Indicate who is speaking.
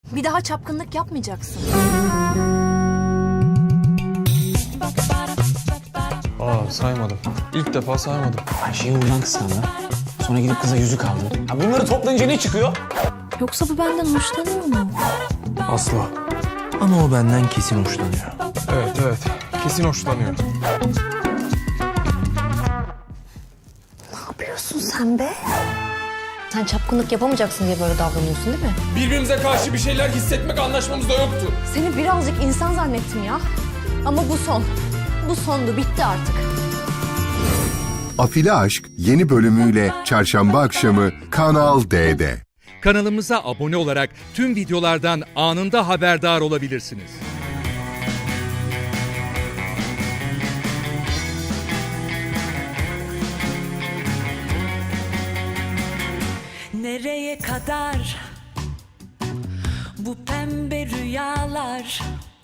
Speaker 1: Bir daha çapkınlık yapmayacaksın.
Speaker 2: Saymadım. İlk defa saymadım.
Speaker 3: Ayşe'yi oradan kıskandı. Sonra gidip kıza yüzük aldı. Ha bunları toplayınca ne çıkıyor?
Speaker 1: Yoksa bu benden hoşlanıyor mu?
Speaker 2: Asla.
Speaker 4: Ama o benden kesin hoşlanıyor.
Speaker 2: Evet. Kesin hoşlanıyor.
Speaker 1: Ne yapıyorsun sen be? Sen çapkınlık yapamayacaksın diye böyle davranıyorsun değil mi?
Speaker 2: Birbirimize karşı bir şeyler hissetmek anlaşmamızda yoktu.
Speaker 1: Seni birazcık insan zannettim ya. Ama bu son. Bu sondu, bitti artık.
Speaker 5: Afili Aşk yeni bölümüyle çarşamba akşamı Kanal D'de.
Speaker 6: Kanalımıza abone olarak tüm videolardan anında haberdar olabilirsiniz.
Speaker 7: Nereye kadar bu pembe rüyalar?